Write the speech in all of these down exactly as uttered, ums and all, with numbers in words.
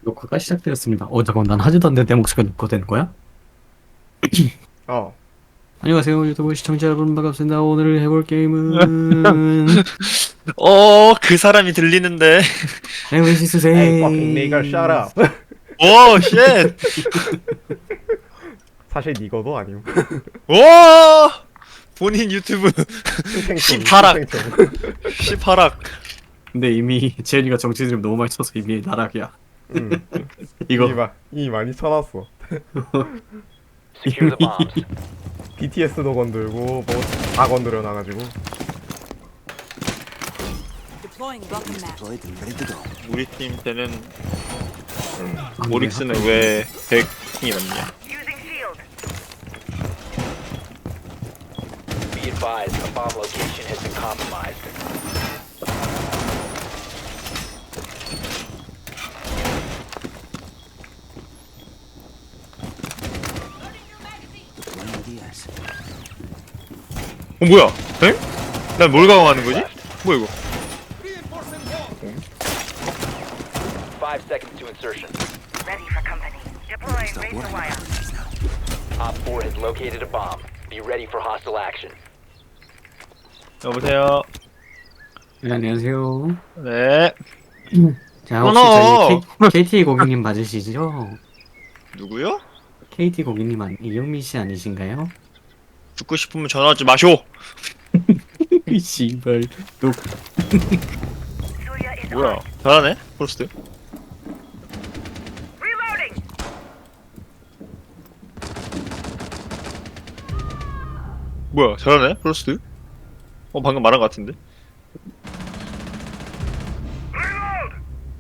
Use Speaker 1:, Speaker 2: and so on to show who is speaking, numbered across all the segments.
Speaker 1: 녹화가 시작되었습니다. 어, 잠깐만, 난 하지도 않는데 내 목소리가 녹화되는 거야?
Speaker 2: 어.
Speaker 1: 안녕하세요, 유튜브 시청자 여러분, 반갑습니다. 오늘 해볼 게임은,
Speaker 3: 어, 그 사람이 들리는데.
Speaker 1: 네메시스
Speaker 2: Hey fucking nigger, shut
Speaker 1: 세.
Speaker 2: up.
Speaker 3: 오, 쉣.
Speaker 2: 사실 니거도 아니오.
Speaker 3: 오! 본인 유튜브
Speaker 2: 탱탱총.
Speaker 3: 십팔 학.
Speaker 2: 탱탱총.
Speaker 3: 십팔 학.
Speaker 1: 근데 이미 재현이가 정치 드림 너무 많이 쳐서 이미 나락이야.
Speaker 2: 응.
Speaker 1: 이거,
Speaker 2: 이미, 마, 이미 많이 쳐놨어.
Speaker 4: Secure the bombs.
Speaker 2: 비티에스도 건들고 뭐 다 건드려 놔가지고.
Speaker 5: Deploying rocket map.
Speaker 3: 우리 팀 때는
Speaker 1: 안 돼.
Speaker 3: 오릭스는 왜 백킹이 남냐?
Speaker 4: Be advised, a bomb location has been compromised.
Speaker 3: 어, 뭐야? 에? 난 뭘 강화하는 거지? 뭐야 이거?
Speaker 4: Five seconds to insertion.
Speaker 6: Ready for company. Deploying razor wire.
Speaker 4: Op four has located a bomb. Be ready for hostile action.
Speaker 3: 여보세요.
Speaker 1: 네, 안녕하세요.
Speaker 3: 네.
Speaker 1: 자, 혹시
Speaker 3: 끊어.
Speaker 1: 저희 K, 케이티 고객님 맞으시죠?
Speaker 3: 누구요?
Speaker 1: 케이티 고객님 아니, 이영민 씨 아니신가요?
Speaker 3: 듣고 싶으면 전화하지 마쇼.
Speaker 1: 이 씨발, 녹,
Speaker 6: Surya is
Speaker 3: 뭐야?
Speaker 6: on.
Speaker 3: 잘하네. 프로스트.
Speaker 6: Reloading.
Speaker 3: 뭐야? 잘하네. 프로스트. 어 방금 말한 것 같은데.
Speaker 6: Reload.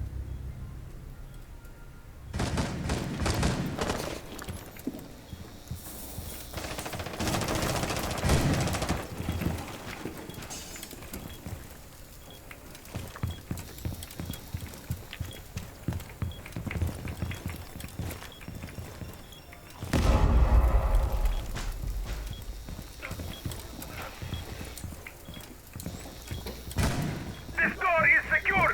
Speaker 6: This door is secured.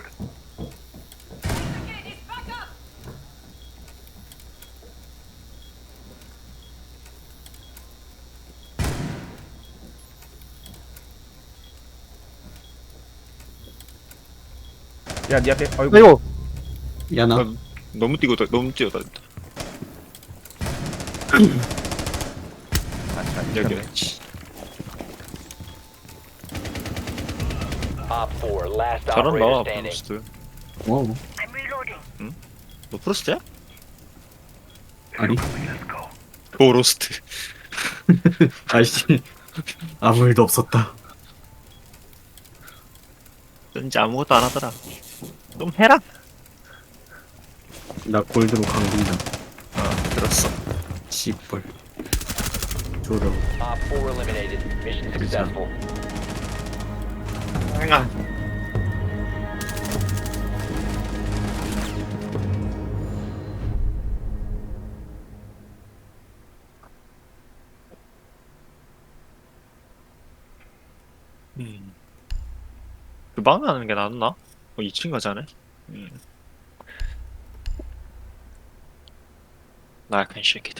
Speaker 2: 야, 니 앞에. 어이구.
Speaker 3: 아이고.
Speaker 1: 야, 나,
Speaker 3: 아, 너무 뛰고 너무 뛰어다. 여기.
Speaker 4: Op four, last
Speaker 3: 잘한다.
Speaker 4: operator standing.
Speaker 3: 프로스트.
Speaker 1: 어,
Speaker 6: I'm reloading.
Speaker 3: 너 프로스트야?
Speaker 1: 아니,
Speaker 6: Let's go.
Speaker 3: 도로스트.
Speaker 1: 아이씨, 아무 일도 없었다.
Speaker 3: 왠지 아무것도 안 하더라. 좀 해라.
Speaker 1: 나 골드로 강등다.
Speaker 3: 아 들었어.
Speaker 1: 씨발. 조려.
Speaker 4: Op four eliminated. Mission successful.
Speaker 3: 아. 음. 그 방에 하는 게 낫나? 어, 이 층 가자네. 음. 나약한 새끼들.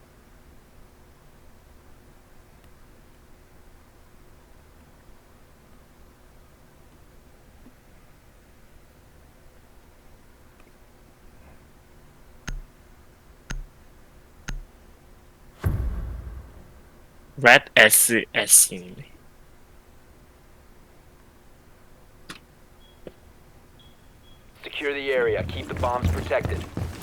Speaker 3: Red 에스에스이네.
Speaker 4: Secure the area. Keep the bombs protected.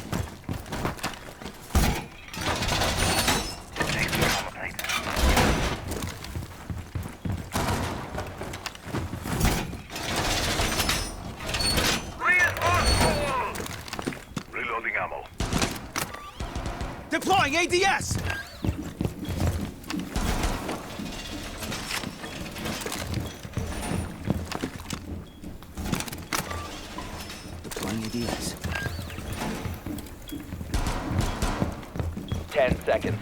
Speaker 6: Reinforced. Reloading ammo.
Speaker 7: Deploying A D S! Deploying A D S.
Speaker 4: Ten seconds.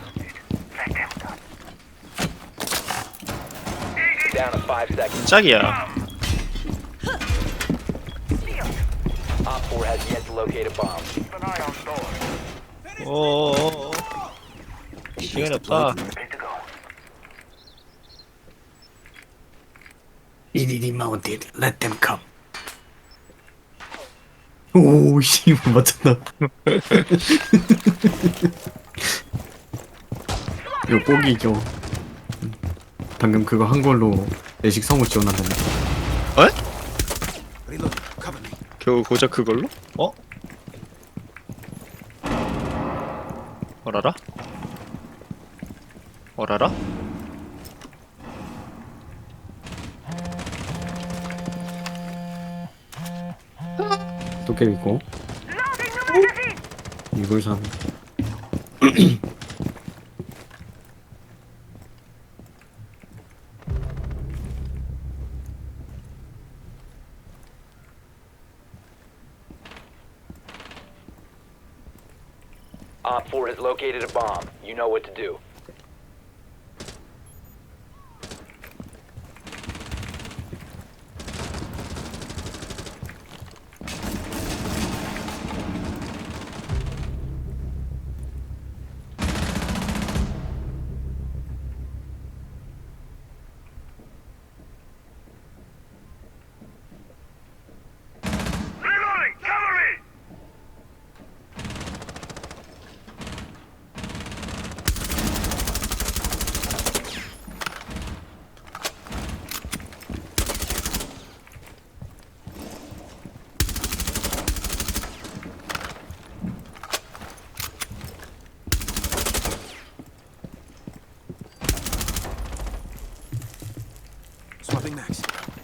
Speaker 4: Down to five seconds.
Speaker 3: 짝이야.
Speaker 4: Op four has yet to locate a bomb.
Speaker 6: Keep an eye on doors.
Speaker 3: 어어어. 시간이 없다.
Speaker 6: Ready to go.
Speaker 1: 이리리 마운틴 let them come. 오씨 맞췄나. 이거 뽀기죠. 음. 방금 그거 한 걸로 내식 성우 지원한다네.
Speaker 7: Reload. Cover me.
Speaker 3: 겨우 고작 그걸로? 어? 어라라? 어라라?
Speaker 1: 도깨비 있고 이걸 산.
Speaker 4: Op four has located a bomb. You know what to do.
Speaker 6: Reloading! Cover me!
Speaker 7: Swapping max.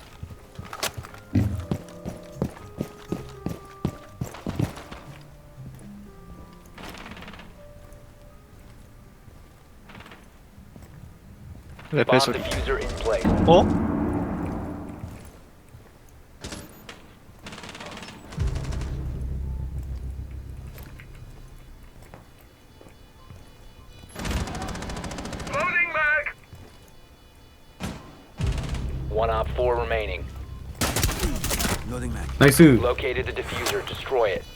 Speaker 3: 왜
Speaker 4: Bomb
Speaker 3: 배소리?
Speaker 4: diffuser in place.
Speaker 3: 어?
Speaker 6: Loading mag!
Speaker 4: One Op four remaining.
Speaker 7: Loading mag.
Speaker 1: 나이스.
Speaker 4: Located the diffuser. Destroy it.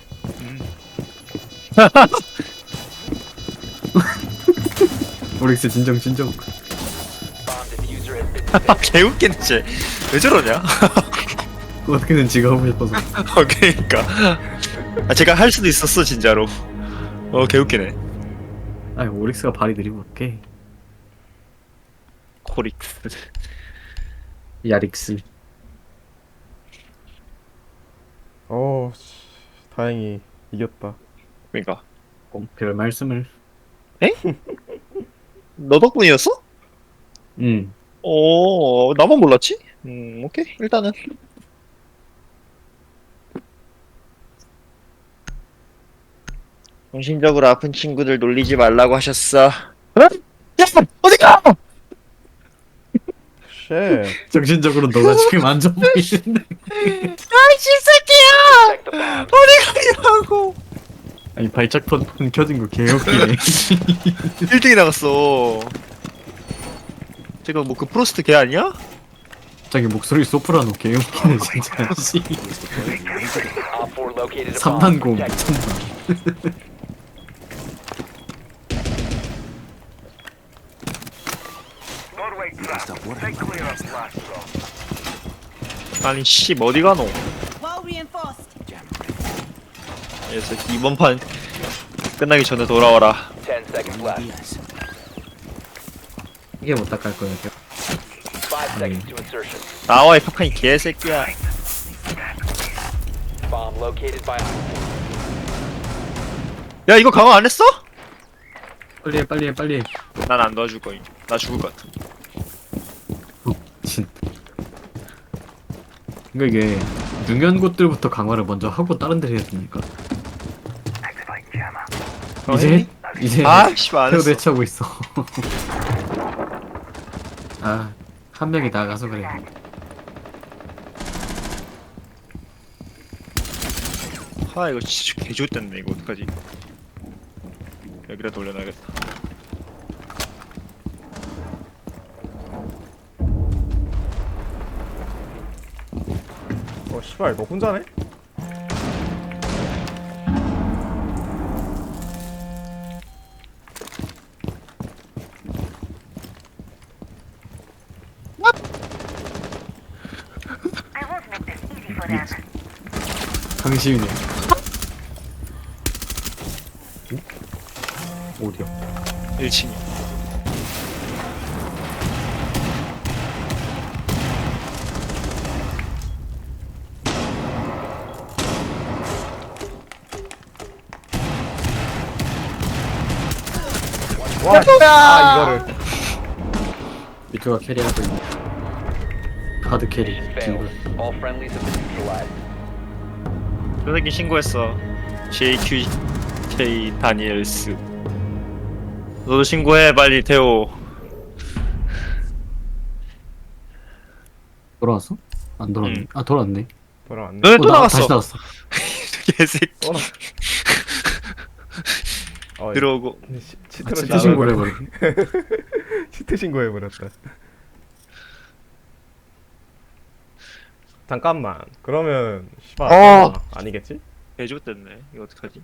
Speaker 1: 오릭스 진정 진정.
Speaker 4: Bomb diffuser has been detected.
Speaker 3: 개웃기네 쟤. 왜 저러냐?
Speaker 1: 어떻게든 지가 하고 싶어서.
Speaker 3: 어 그니까. 아 제가 할 수도 있었어 진짜로. 어 개웃기네.
Speaker 1: 아니 오릭스가 발이 느리면 어떡해.
Speaker 3: 코릭스.
Speaker 1: 야릭스.
Speaker 2: 어, 씨, 다행히 이겼다.
Speaker 3: 그니까.
Speaker 1: 어, 별 말씀을.
Speaker 3: 너 덕분이었어?
Speaker 1: 응.
Speaker 3: 어 나만 몰랐지? 음 오케이 일단은. 정신적으로 아픈 친구들 놀리지 말라고 하셨어. 어? 야 어디가?
Speaker 2: 쉣.
Speaker 1: 정신적으로 너가 지금 안 좋아 보이는데.
Speaker 3: 아이씨 새끼야!
Speaker 4: Protect the bomb.
Speaker 3: 어디 가냐고?
Speaker 1: 아니 발작 폰 켜진 거 개웃기네.
Speaker 3: 일 등이 나갔어. 제가 뭐 그 프로스트 걔 아니야?
Speaker 1: 갑자기 목소리 소프라노 개웃기네 진짜. 씨.
Speaker 4: Op four located a bomb.
Speaker 1: 삼만공
Speaker 4: Protect it.
Speaker 1: 미쳤나.
Speaker 6: Doorway trap.
Speaker 7: Stop worrying
Speaker 6: Stay
Speaker 7: about
Speaker 6: clear
Speaker 7: the
Speaker 6: of blast zone.
Speaker 3: 아니 씨 어디 가노?
Speaker 5: Well reinforced.
Speaker 3: 그래서 이번 판 끝나기 전에 돌아와라.
Speaker 4: Ten seconds left.
Speaker 7: Yes.
Speaker 1: 이게 못 닦을 거야.
Speaker 4: Five seconds to insertion.
Speaker 3: 나와 이 팍한이 개새끼야.
Speaker 4: Bomb located by Op
Speaker 3: 야 이거 강화 안 했어?
Speaker 1: 빨리 해 빨리 해 빨리 해.
Speaker 3: 난 안 도와줄 거임. 나 죽을 것 같아.
Speaker 1: 진. 그러니까 이게 중요한 곳들부터 강화를 먼저 하고 다른 데를 해야 되니까.
Speaker 6: Activate jammer.
Speaker 1: 이제 이제
Speaker 3: 아 씨발 안
Speaker 1: 태우
Speaker 3: 했어.
Speaker 1: 대처하고 있어. 아, 한 명이 나가서 그래.
Speaker 3: 아 이거 진짜 개좋댔네 이거 어떡하지? 여기다 돌려놔야겠다.
Speaker 2: 어, 씨발, 너 혼자네?
Speaker 1: 강시윤이. 응? 어디야?
Speaker 3: 일 층.
Speaker 2: 와, 씨. 아 이거를.
Speaker 1: 미투가 캐리하고 있네. 하드 캐리.
Speaker 4: Failed. All friendlies have been neutralized.
Speaker 3: 그 새끼 신고했어. 제이큐케이 다니엘스. 너도 신고해 빨리 태호.
Speaker 1: 돌아왔어? 안 돌아왔네.
Speaker 3: 응.
Speaker 1: 아 돌아왔네.
Speaker 2: 돌아왔네.
Speaker 3: 너네
Speaker 1: 어,
Speaker 3: 또
Speaker 1: 나-
Speaker 3: 나갔어.
Speaker 1: 다시 나왔어.
Speaker 3: 개새끼.
Speaker 2: 또 나- 어,
Speaker 3: 들어오고.
Speaker 2: 시,
Speaker 1: 아,
Speaker 2: 치트로
Speaker 1: 치트 신고를 해버려.
Speaker 2: 치트 신고해버렸다. 잠깐만. 그러면 씨발
Speaker 3: 어!
Speaker 2: 아니겠지?
Speaker 3: 개조됐네. 이거 어떡하지?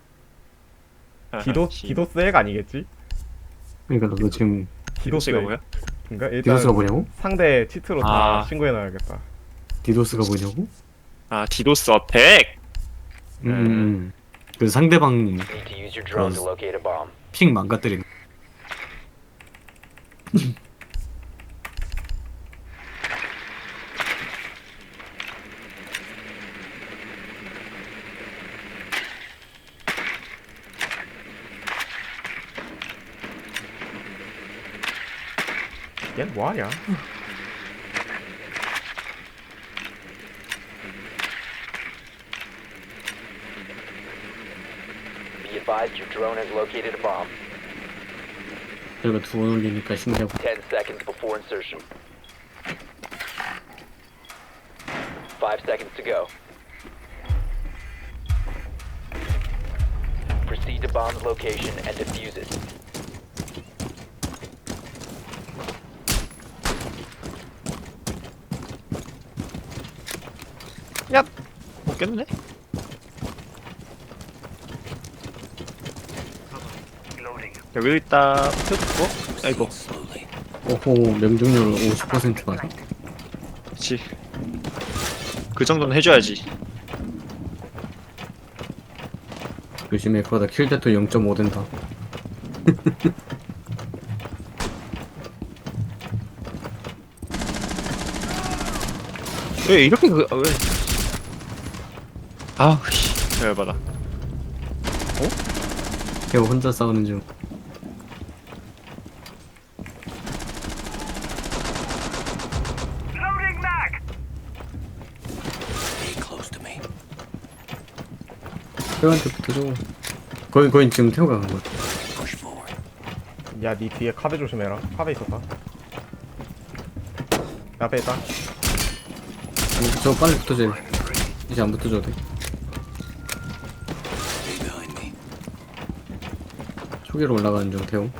Speaker 2: 디도
Speaker 3: 씨.
Speaker 2: 디도스 핵 아니겠지?
Speaker 1: 그러니까 너 지금
Speaker 2: 디도스
Speaker 3: 디도스가
Speaker 2: 핵.
Speaker 3: 뭐야?
Speaker 2: 그러니까 일단
Speaker 1: 디도스가 뭐냐고?
Speaker 2: 상대 치트로 다
Speaker 3: 아.
Speaker 2: 신고해놔야겠다.
Speaker 1: 디도스가 뭐냐고?
Speaker 3: 아 디도스 어택.
Speaker 1: 음, 음. 음. 그 상대방
Speaker 4: Need to use your drone to locate a bomb.
Speaker 1: 픽 망가뜨리는.
Speaker 2: 얘 뭐하냐?
Speaker 4: Be advised your drone has located a bomb.
Speaker 1: 저희가 두 번 올리니까 신기하고.
Speaker 4: Ten seconds before insertion. Five seconds to go. Proceed to bomb's location and defuse it.
Speaker 3: 야. 못겠네.
Speaker 6: Reloading.
Speaker 3: 여기 있다. 펴고. 아이고.
Speaker 7: Slowly.
Speaker 1: 오호 명중률 오십 퍼센트 맞아?
Speaker 3: 그렇지. 그 정도는 해줘야지.
Speaker 1: 요즘에 그러다 킬데토 영 점 오 된다.
Speaker 3: 왜 이렇게 그 아, 왜? 아우 씨. 열받아.
Speaker 1: 걔 혼자 싸우는 중.
Speaker 6: Loading mag.
Speaker 7: Stay close to me.
Speaker 1: 태호한테 붙어줘. 거의 거의 지금 태호가 간 거야.
Speaker 7: Push forward.
Speaker 2: 야, 니 뒤에 카베 조심해라. 카베 있었다. 앞에 있다.
Speaker 1: 아니 저 빨리 붙어줘. 이제 안 붙어줘도 돼.
Speaker 7: Stay behind me.
Speaker 1: 초기로 올라가는 중 태호.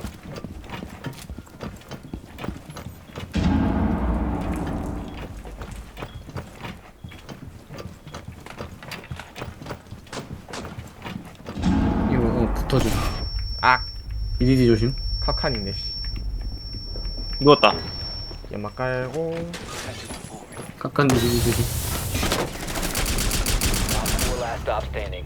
Speaker 1: 이거 어 붙어줘.
Speaker 2: 아,
Speaker 1: 비디디 조심.
Speaker 2: 카칸 있네 씨.
Speaker 3: 누웠다.
Speaker 2: 연막 깔고.
Speaker 1: 깎한 비디디 조심.
Speaker 4: Four last stop standing.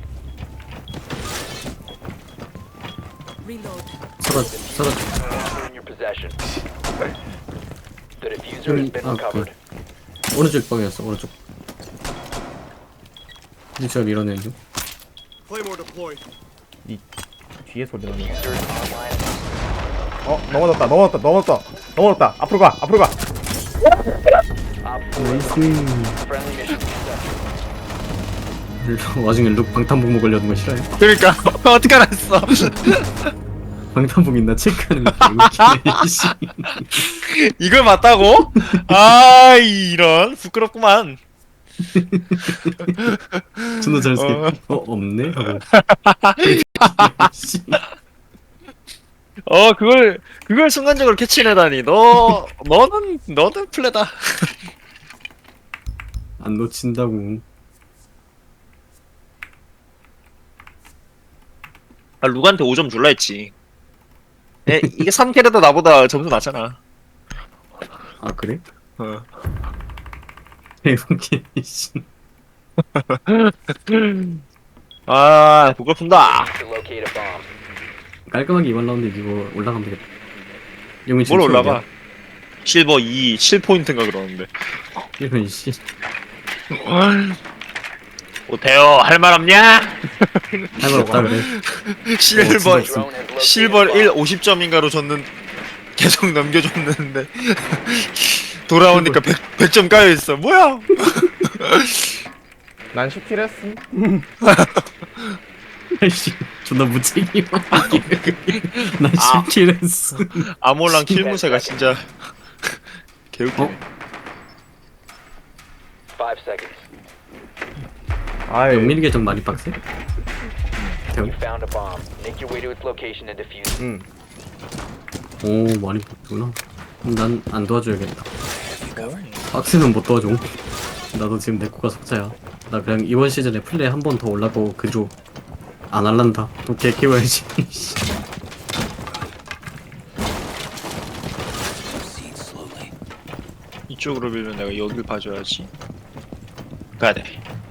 Speaker 5: Reload.
Speaker 1: 서라 서라.
Speaker 4: Diffuser in your possession. The diffuser has been
Speaker 1: 아,
Speaker 4: recovered.
Speaker 1: 오른쪽 방이었어 오른쪽. 이제 제가 밀어내는 중.
Speaker 2: 이 뒤에 소리 나네.
Speaker 4: Diffuser is online.
Speaker 2: 어, 넘어졌다. 넘어졌다. 넘어졌다. 넘어졌다. 앞으로 가. 앞으로 가.
Speaker 4: Op four
Speaker 1: 나이스.
Speaker 4: friendly mission successful.
Speaker 1: 와중에 룩 방탄복 먹으려는 거 싫어해?
Speaker 3: 그러니까 어떻게 알았어?
Speaker 1: 방탄복 있나 체크하는 거 웃기네. 씨.
Speaker 3: 이걸 맞다고? 아 이런 부끄럽구만.
Speaker 1: 존나 잘했어.
Speaker 3: 어.
Speaker 1: 어 없네 하고. 씨.
Speaker 3: 어 그걸 그걸 순간적으로 캐치해내다니. 너 너는 너는 플레다.
Speaker 1: 안 놓친다고.
Speaker 3: 아 루가한테 오 점 줄라 했지. 에, 이게 삼 캐릭터 나보다 점수 낮잖아.
Speaker 1: 아 그래?
Speaker 3: 어.
Speaker 1: 대박이 씨.
Speaker 3: 아 고급품다.
Speaker 4: To locate a bomb.
Speaker 1: 깔끔하게 이번 라운드 이기고 올라가면 되겠다. 용민
Speaker 3: 뭘 올라가? 실버 이 칠 포인트인가 그러는데.
Speaker 1: 이런 씨.
Speaker 3: 못해요. 할 말 없냐?
Speaker 1: 할 말 없다 그래.
Speaker 3: 실버
Speaker 1: 진짜 없음.
Speaker 4: Drone has located
Speaker 3: 실버
Speaker 4: a
Speaker 3: 일
Speaker 4: bomb.
Speaker 3: 오십 점인가로 줬는 계속 넘겨줬는데 돌아오니까 백 점 까여 있어. 뭐야?
Speaker 2: 난 십 킬 했음.
Speaker 1: 씨, 존나 무책임하게. 난
Speaker 3: 아.
Speaker 1: 십 킬 했어.
Speaker 3: 아몰랑 킬무새가 진짜 개웃기네.
Speaker 1: 어?
Speaker 4: Five seconds.
Speaker 2: 아이,
Speaker 1: 영민이 계정 많이 빡세?
Speaker 4: You found a bomb. Make your way to its location and defuse it.
Speaker 2: 응.
Speaker 1: 오, 많이 빡구나. 난 안 도와줘야겠다. 빡세면 못 도와줘. 나도 지금 내 코가 속자야. 나 그냥 이번 시즌에 플레이 한 번 더 올라고 그조 안 할란다. 또 개 키워야지.
Speaker 7: Proceed slowly.
Speaker 3: 이쪽으로 밀면 내가 여길 봐줘야지. 가야 돼.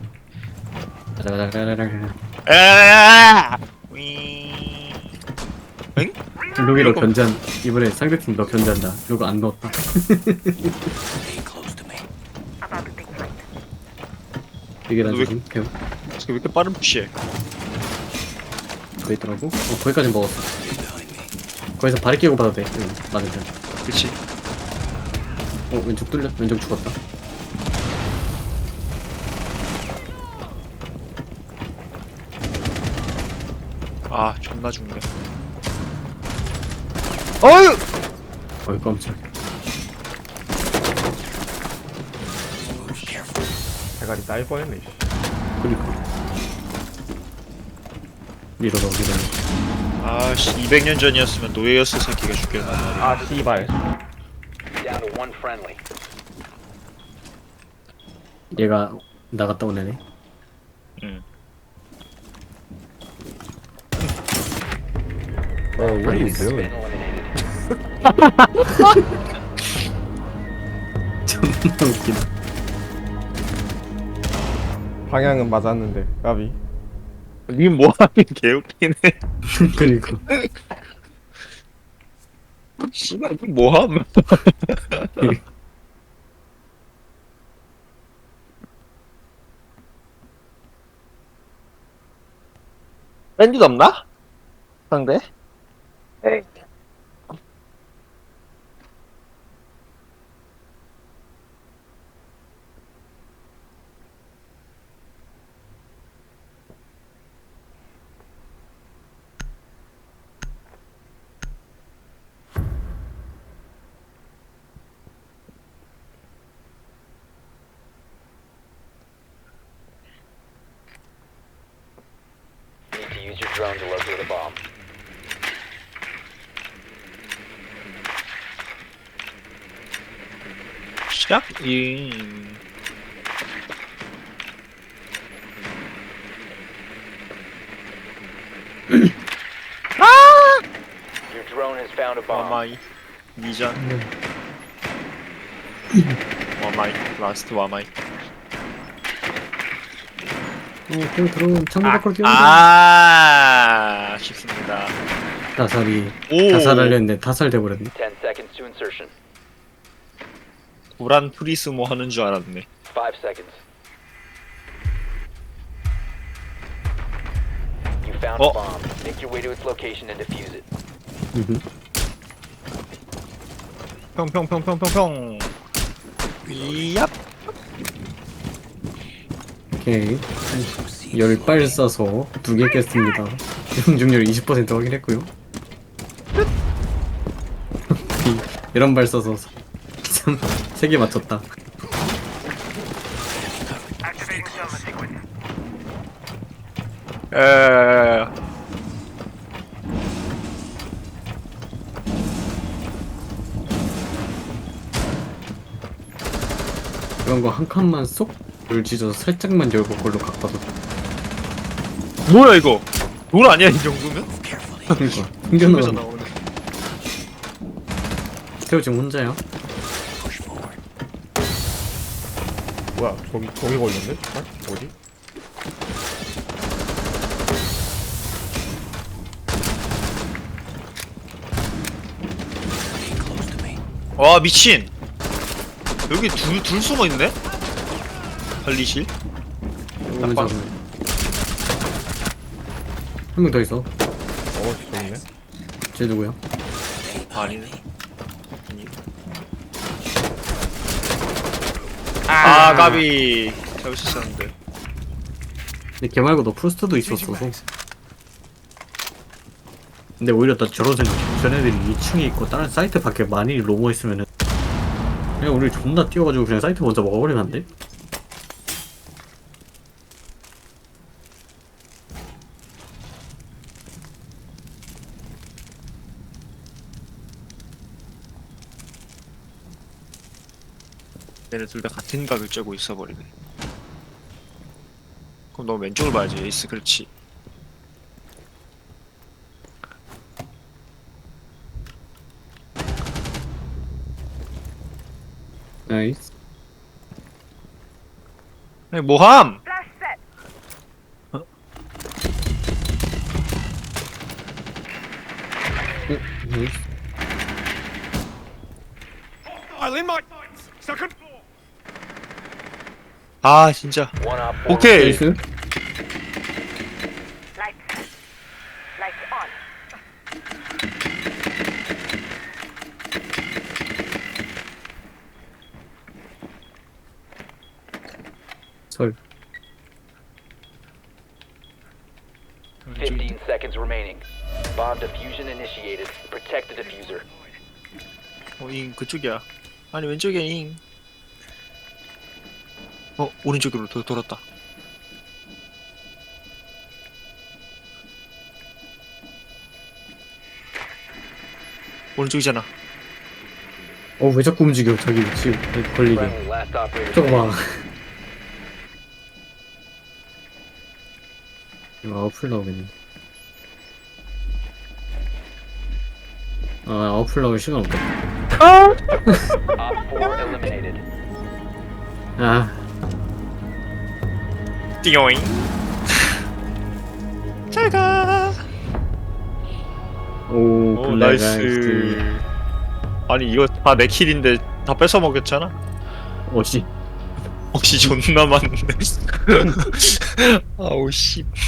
Speaker 3: 에아! 윙. 응?
Speaker 1: 루기로 견제한 이번에 상대팀 너 견제한다. 루그 안 넣었다.
Speaker 7: Stay close to me.
Speaker 1: 이게
Speaker 3: 왜-
Speaker 1: 나중에 배우
Speaker 3: 왜 이렇게 빠른 푸시해?
Speaker 1: 돼 있더라고. 어, 거기까지 먹었어.
Speaker 7: Behind me.
Speaker 1: 거기서 발이 끼고 봐도 돼. 응, 맞으면.
Speaker 3: 그치?
Speaker 1: 어, 왼쪽 뚫려. 왼쪽 죽었다.
Speaker 3: 아 존나 죽네. 어휴!
Speaker 1: 어이 깜짝.
Speaker 7: Move carefully.
Speaker 2: 대가리 따일 뻔했네. 씨.
Speaker 1: 그니까. 밀어넣어, 밀어넣어.
Speaker 3: 아씨 이백 년 전이었으면 노예였을 새끼가 죽겠단 말이야.
Speaker 2: 아, 씨발.
Speaker 4: Down to one friendly.
Speaker 1: 얘가 나갔다 온 애네.
Speaker 3: 응.
Speaker 2: 어, what are you
Speaker 4: Been
Speaker 2: doing?
Speaker 4: eliminated.
Speaker 1: 존나 웃기다.
Speaker 2: 방향은 맞았는데, 까비.
Speaker 3: 니 뭐하긴 개웃기네.
Speaker 1: 그니까.
Speaker 3: 씨발 니 뭐함? 밴드 없나? 상대?
Speaker 4: Need to use your drone to locate a bomb.
Speaker 3: 시작? 이
Speaker 4: Your drone has found a bomb.
Speaker 3: 와마이 미전 와마이 라스트 와마이
Speaker 1: 어, 그냥 들어온 창문 밖으로 뛰어온다.
Speaker 3: 아 쉽습니다.
Speaker 1: 다살이,
Speaker 3: 오
Speaker 1: 다살하려 했는데 다살돼버렸네.
Speaker 4: Ten seconds to insertion.
Speaker 3: 구란 프리스모 하는 줄 알았네.
Speaker 4: Five seconds. You found
Speaker 3: Oh.
Speaker 4: a bomb. Make your way to its location and defuse it.
Speaker 1: 으흠.
Speaker 3: 평평평평평평 이얍
Speaker 1: 오케이.
Speaker 7: Proceed
Speaker 1: 열
Speaker 7: slowly.
Speaker 1: 발 쏴서 두 개 깼습니다. 명중률 이십 퍼센트 확인했고요. 이런 발 쏴서 세 개 맞췄다.
Speaker 6: Activating thermal sequence.
Speaker 3: 에
Speaker 1: 이런 거 한 칸만 쏙 열지져서 살짝만 열고 걸로 각봐도 돼.
Speaker 3: 뭐야 이거 돌 아니야 이 정도면?
Speaker 7: Carefully.
Speaker 1: 그러니까
Speaker 3: 중에서
Speaker 1: 숨겨놔.
Speaker 3: 나오네.
Speaker 1: 태호 지금 혼자야?
Speaker 7: Push forward.
Speaker 2: 뭐야, 저기, 저기 걸렸네? 아, 뭐지?
Speaker 3: 와 미친. 여기 둘 둘 숨어 있네. 관리실.
Speaker 1: 오면
Speaker 3: 딱
Speaker 1: 잡으면 한 명 더 있어.
Speaker 2: 어 좋네.
Speaker 1: 쟤 누구야?
Speaker 3: 아니네. 아니. 아 까비. 잡을 수 있었는데.
Speaker 1: 근데 걔 말고 너 프로스트도 있었어서. 근데 오히려 나 저런 생각. 쟤네들이 이 층에 있고 다른 사이트 밖에 많이 로모 있으면은 그냥 우리 존나 뛰어가지고 그냥 사이트 먼저 먹어버리면 안 돼?
Speaker 3: 얘네 둘 다 같은 각을 쬐고 있어버리네. 그럼 너 왼쪽을 봐야지. 에이스 그렇지.
Speaker 1: 나이스.
Speaker 3: 아니 뭐함?
Speaker 1: 나이스.
Speaker 6: I'll in my second floor.
Speaker 3: 아 진짜.
Speaker 4: One op four.
Speaker 3: 오케이.
Speaker 1: 나이스.
Speaker 5: Lights. Lights on.
Speaker 1: 설.
Speaker 4: fifteen seconds remaining. Bomb diffusion initiated. Protect the diffuser.
Speaker 3: 어잉 그쪽이야. 아니 왼쪽이야 잉. 어 오른쪽으로 도, 돌았다. 오른쪽이잖아.
Speaker 1: 어, 왜 자꾸 움직여? 자기 위치 걸리게.
Speaker 4: Friendly last operator.
Speaker 1: 저거 봐. 이거 아웃풀 나오겠네. 아, 아웃풀 나올 시간 없다.
Speaker 4: Op four eliminated.
Speaker 1: 아,
Speaker 3: 띵요잉. 잘가.
Speaker 1: 오,
Speaker 3: 오
Speaker 1: 블랙
Speaker 3: 나이스.
Speaker 1: 아이스.
Speaker 3: 아니 이거 다 내 킬인데 다 뺏어 먹였잖아.
Speaker 1: 어씨.
Speaker 3: 혹시 존나 많은데. 아우 씨.